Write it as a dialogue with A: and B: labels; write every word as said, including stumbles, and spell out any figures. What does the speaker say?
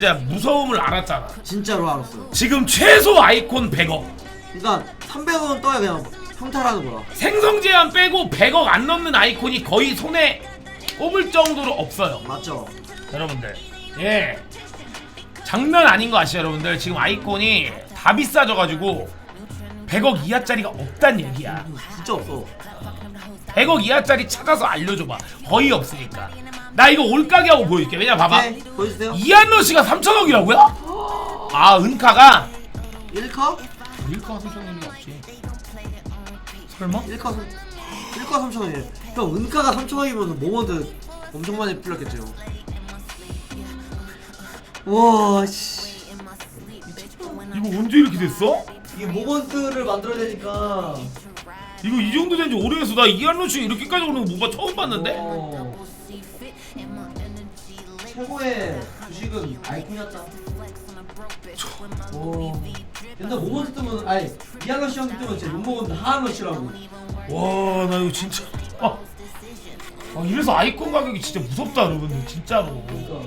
A: 진짜 무서움을 알았잖아.
B: 진짜로 알았어요.
A: 지금 최소 아이콘 백억.
B: 그러니까 삼백억은 떠야 그냥 평탈하는 거야.
A: 생성 제한 빼고 백억 안 넘는 아이콘이 거의 손에 꼽을 정도로 없어요.
B: 맞죠?
A: 여러분들, 예, 장난 아닌 거 아시죠 여러분들? 지금 아이콘이 다 비싸져가지고 백억 이하짜리가 없단 얘기야.
B: 진짜 없어.
A: 백억 이하짜리 찾아서 알려줘봐. 거의 없으니까. 나 이거 올가게 하고 보여줄게. 왜냐 봐봐.
B: 네, 보여주세요.
A: 이한러 씨가 삼천억이라고요? 아, 은카가
B: 일 카?
A: 일카가 삼천억이 없지. 설마?
B: 일 카 일 카 삼천억이에요. 형 은카가 삼천억이면 모먼트 엄청 많이 풀렸겠죠. 와 씨.
A: 이거 언제 이렇게 됐어?
B: 이게 모먼트를 만들어야 되니까.
A: 이거 이 정도 된 지 오래됐어. 나 이한러 씨가 이렇게까지 오는 거 못 봐. 처음 봤는데?
B: 어. 최고의 주식은 아이콘이었다. 오. 근데 모먼트 뜨면 아니 이한러 씨 형님 뜨면 진짜 욕먹었는데 하한러 씨라고.
A: 와, 나 이거 진짜. 아, 아 이래서 아이콘 가격이 진짜 무섭다 여러분들 진짜로.
B: 그러니까.